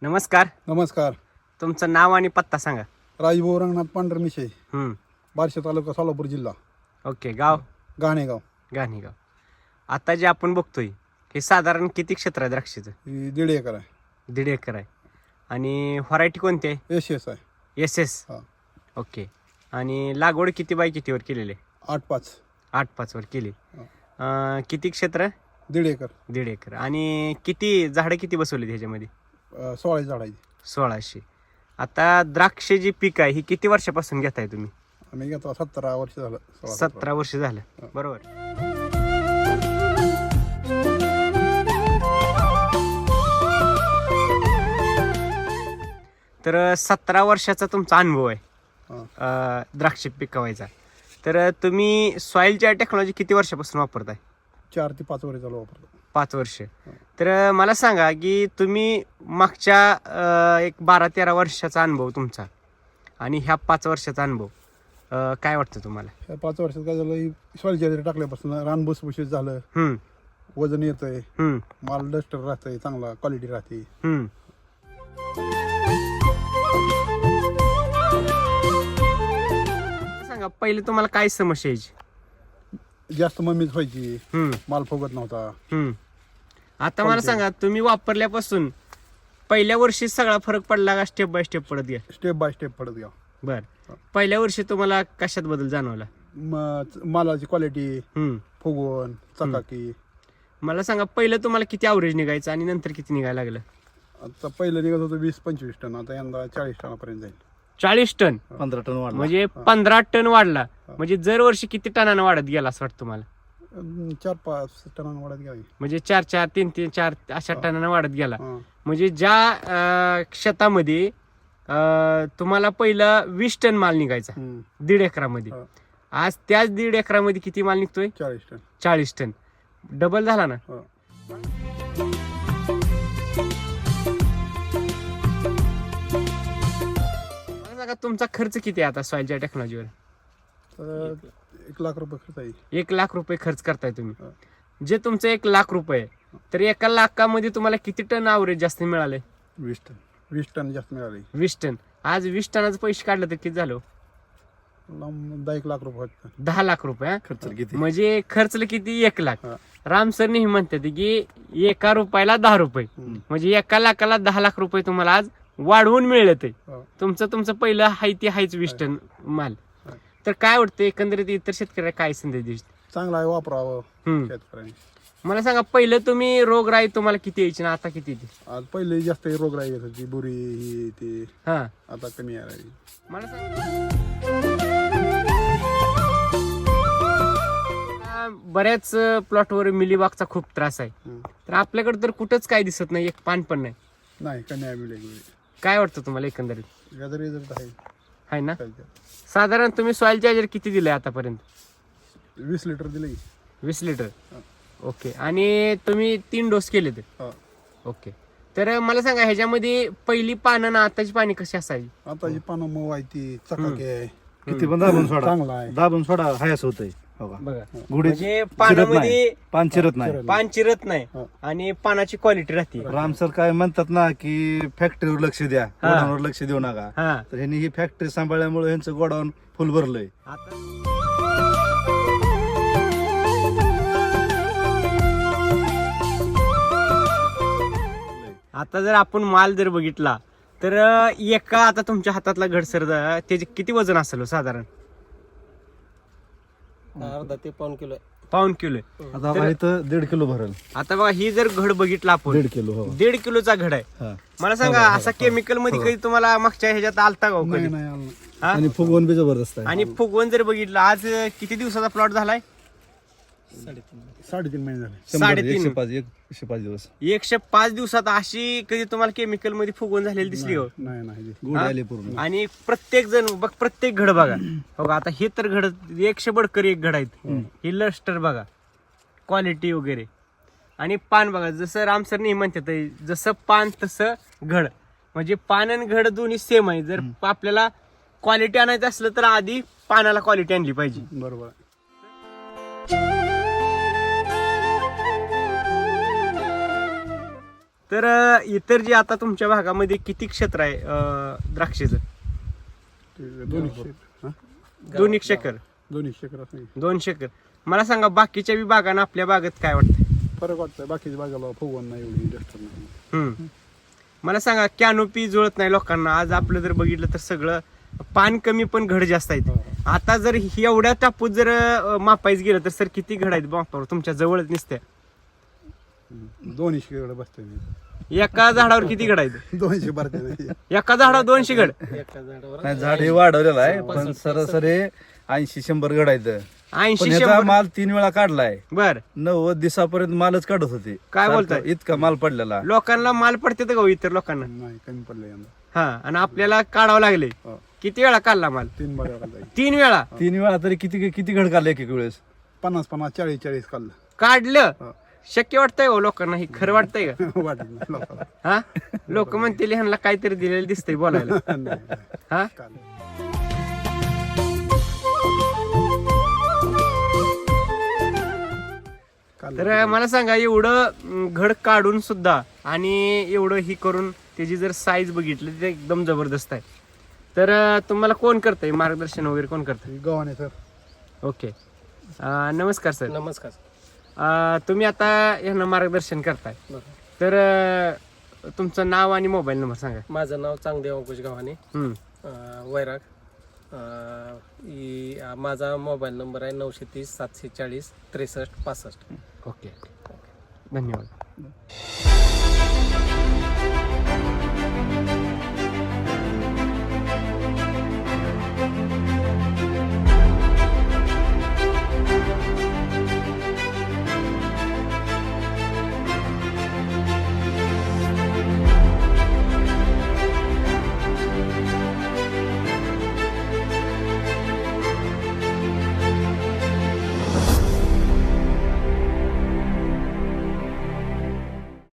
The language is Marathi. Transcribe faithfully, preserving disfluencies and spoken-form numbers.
नमस्कार. नमस्कार. तुमचं नाव आणि पत्ता सांगा. राजभाऊ रंगनाथ पांढरमिशे, हम्म बार्शी तालुका, सोलापूर जिल्हा. ओके. गाव गाणेगाव. गाणेगाव. आता जे आपण बघतोय हे साधारण किती क्षेत्र आहे द्राक्षाचं? ही दीड एकर आहे. दीड एकर आहे. आणि व्हरायटी कोणती आहे? एस एस आहे. S S. हा. ओके. आणि लागवड किती बाय कितीवर केलेली आहे? आठ पाच. आठ पाचवर केली. हा. अं, किती क्षेत्र? दीड एकर. दीड एकर. आणि किती झाडं किती बसवली ह्याच्यामध्ये? अं, सोळा झाडाची. सोळाशे. आता द्राक्ष जी पीक आहे ही किती वर्षापासून घेताय तुम्ही? आम्ही घेतो सतरा वर्ष झालं. सोळा सतरा वर्ष झालं. हा. बरोबर. तर सतरा वर्षाचा तुमचा अनुभव आहे हा. अं, द्राक्ष पिकवायचा. तर तुम्ही सॉइलच्या टेक्नॉलॉजी किती वर्षापासून वापरताय? चार ते पाच वर्ष चालू वापरतो. पाच वर्ष. तर मला सांगा की तुम्ही मागच्या अं, एक बारा तेरा वर्षाचा अनुभव तुमचा आणि ह्या पाच वर्षाचा अनुभव अं, काय वाटतं तुम्हाला? या पाच वर्षात काय झालं, सॉईल चार्जर टाकल्यापासून रान भुसभुशीत झालं, हम्म वजन येतंय, हम्म माल डस्टर राहतंय, चांगला क्वालिटी राहते. हम्म सांगा पहिले तुम्हाला काय समस्या यायची? जास्त मम्मीच व्हायची, हम्म माल फुगत नव्हता. हम्म आता मला सांगा तुम्ही वापरल्यापासून पहिल्या वर्षी सगळा फरक पडला का स्टेप बाय स्टेप पडत गेला? स्टेप बाय स्टेप पडत गेला. बर. पहिल्या वर्षी तुम्हाला कशात बदल जाणवला? म- मालाची क्वालिटी, हम्म फुगवण, चकाकी. मला सांगा पहिलं तुम्हाला किती ॲव्हरेज निघायचं आणि नंतर किती निघायला लागलं? आता पहिलं निघत होतं वीस पंचवीस टन, आता यंदा चाळीस टनापर्यंत जाईल. चाळीस टन. पंधरा टन वाढला. म्हणजे पंधरा टन वाढला. म्हणजे दरवर्षी किती टनानं वाढत गेला असं वाटतं तुम्हाला? अं, चार पाच टनानं वाढत गेला. म्हणजे चार चार तीन तीन चार अशा टनानं वाढत गेला. हा. म्हणजे ज्या अं, शेतामध्ये अं, तुम्हाला पहिला वीस टन माल निघायचा हम्म. दीड एकरामध्ये, हा. आज त्याच दीड एकरामध्ये किती माल निघतोय? चाळीस टन. चाळीस टन. डबल झाला ना. हा. मला सांगा तुमचा खर्च किती आहे आता सॉइलच्या टेक्नॉलॉजीवर? तर एक लाख रुपये खर्च आहे. एक लाख रुपये खर्च करताय तुम्ही. हा. जे तुमचं एक लाख रुपये आहे, तर एका लाखामध्ये तुम्हाला किती टन ॲव्हरेज जास्त मिळाले? वीस टन. वीस टन जास्त मिळाले. वीस टन. आज वीस टनाचे पैसे काढले तर किती झालं? लांब दहा एक लाख रुपये होते. दहा लाख रुपये. हा? खर्च किती? म्हणजे खर्चलं किती? एक लाख. हा. राम सर नेहमी म्हणतात की एका रुपयाला दहा रुपये, हम्म. म्हणजे एका लाखाला दहा लाख रुपये तुम्हाला आज वाढवून मिळले. ते हा. तुमचं तुमचं पहिलं हाय ते हायच वीस टन माल. हा. तर काय वाटतं एकंदरीत इतर शेतकऱ्याला काय संदेश देईल? चांगला आहे, वापरावं हम्म. शेतकऱ्यांनी. मला सांगा पहिलं तुम्ही रोगराई तुम्हाला किती यायची ना आता किती येते? आज पहिले जास्त रोगराई येत होती, बुरी ही ती. हा. आता कमी आहे. मला सांगा बऱ्याच प्लॉटवर मिलीबागचा खूप त्रास आहे. हम्म. तर आपल्याकडे तर कुठंच काय दिसत नाही, एक पान पण नाही. नाही, कमी आहे मिळेल. काय वाटतं तुम्हाला एकंदरीत? याचा रिझल्ट आहे. आहे ना. चालतं. साधारण तुम्ही सॉइल चार्जर किती दिलंय आतापर्यंत? वीस लिटर दिले. वीस लिटर. हा. ओके. आणि तुम्ही तीन डोस केले ते? हा. ओके. तर मला सांगा ह्याच्यामध्ये पहिली पानं ना आताची पाणी कशी असायची? आता जी पानं मऊ आहे ती चकाकी आहे. किती पण दाबून सोडा, चांगला आहे. दाबून सोडा हायस होतंय. हो का? बघा गुढी म्हणजे चिरत पानामध्ये नाही, पान चिरत नाही. चिरत पान चिरत नाही हा. आणि पानाची क्वालिटी राहते. राम सर काय म्हणतात ना की फॅक्टरीवर लक्ष द्या, गोडाऊनवर लक्ष देऊ नका. हा. तर ह्यांनी ही फॅक्टरी सांभाळल्यामुळे ह्यांचं गोडाऊन फुल भरलंय. आता आता जर आपण माल जर बघितला तर एका आता तुमच्या हातातला घडसर त्याचे किती वजन असेल हो साधारण? अर्धा ते पाऊन किलो आहे. पाऊन किलो आहे. आता बघा इथं दीड किलो भरल. आता बघा ही जर घड बघितला आपण, दीड किलो. हो. दीड किलोचा घड आहे. हा. मला सांगा असा केमिकल मध्ये कधी तुम्हाला मागच्या ह्याच्यात आलता का हो नाही कधी? नाही आलं नाही. हा? आणि फुगवून बी जबरदस्त आहे. आणि फुगवून जर बघितलं आज किती दिवसाचा प्लॉट झालाय? साडेतीन महिने झाले. शंभर, साडेतीन. एकशे पाच एकशे पाच दिवस एकशे पाच दिवसात अशी कधी तुम्हाला केमिकल मध्ये फुगवून झालेली दिसली हो? नाही नाही गुढ आले पूर्ण. आणि प्रत्येक जण बघ प्रत्येक घड बघा. हो का? आता हे तर घड एकशे बडकर एक घड आहेत. हे लस्टर बघा, क्वालिटी वगैरे. आणि पान बघा, जसं राम सर नेहमी म्हणतात जसं पान तसं घड. म्हणजे पान आणि घड दोन्ही सेम आहे. जर आपल्याला क्वालिटी आणायचं असलं तर आधी पानाला क्वालिटी आणली पाहिजे. बरोबर आहे. तर अं, इतर जे आता तुमच्या भागामध्ये किती क्षेत्र आहे अं, द्राक्षेचं ते दोनशे हा? दोन एक एकर दोनशे एकर असं दोनशे एकर मला सांगा बाकीच्या बी बागांना आपल्या बागेत काय वाटतं फरक वाटतंय बाकीच्या बागाला फुगवण नाही एवढी जास्त नाही हम्म. मला सांगा कॅनोपी जुळत नाही लोकांना आज आपलं जर बघितलं तर सगळं पान कमी पण घड जास्त आहेत आता जर ही एवढ्या टापूत जर अं, मापायचं गेलं तर सर किती घड आहेत मापावर तुमच्या जवळच निसत्या दोनशे एकर बसतोय मी एका झाडावर किती घड आहेत दोनशे भरते नाही एका झाडावर दोनशे घड एका झाडावर नाही, झाड हे वाढवलेलं आहे पण सरासरी ऐंशी शंभर गडायचं पण ऐंशी ह्याचा शंभर माल तीन वेळा काढलाय बर नव्वद दिवसापर्यंत मालच काढत होते काय सारखं बोलताय? इतका माल पडलेला लोकांना माल पडते का हो इतर लोकांना नाही कमी पडलं यंदा हा आणि आपल्याला काढावं लागले हो. किती वेळा काढला माल तीन बागाला जाईल तीन वेळा तीन वेळा तरी किती किती घड काढले एक एक वेळेस पन्नास पन्नास चाळीस चाळीस काढलं काढलं हो. शक्य वाटतंय हो लोकांना हे खरं वाटतंय का वाटत नाही लोकांना. हा लोक म्हणतील ह्यांना काहीतरी दिलेलं दिसतंय बोलायला नाही, हा काढलं. काढलं. तर मला सांगा एवढं अं, घड काढून सुद्धा आणि एवढं ही करून त्याची जर साईज बघितली तर एकदम जबरदस्त आहे तर अं, तुम्हाला कोण करतंय मार्गदर्शन वगैरे कोण करतंय गव्हाणे सर ओके अं, नमस्कार सर नमस्कार. अं, तुम्ही आता यांना मार्गदर्शन करताय बरं. तर अं, तुमचं नाव आणि मोबाईल नंबर सांगा माझं नाव चांगदेव अंकुश गावाने हम्म. अं, वैराग. अं, ई- अं, माझा मोबाईल नंबर आहे नऊशे तीस सातशे चाळीस त्रेसष्ट पासष्ट. ओके धन्यवाद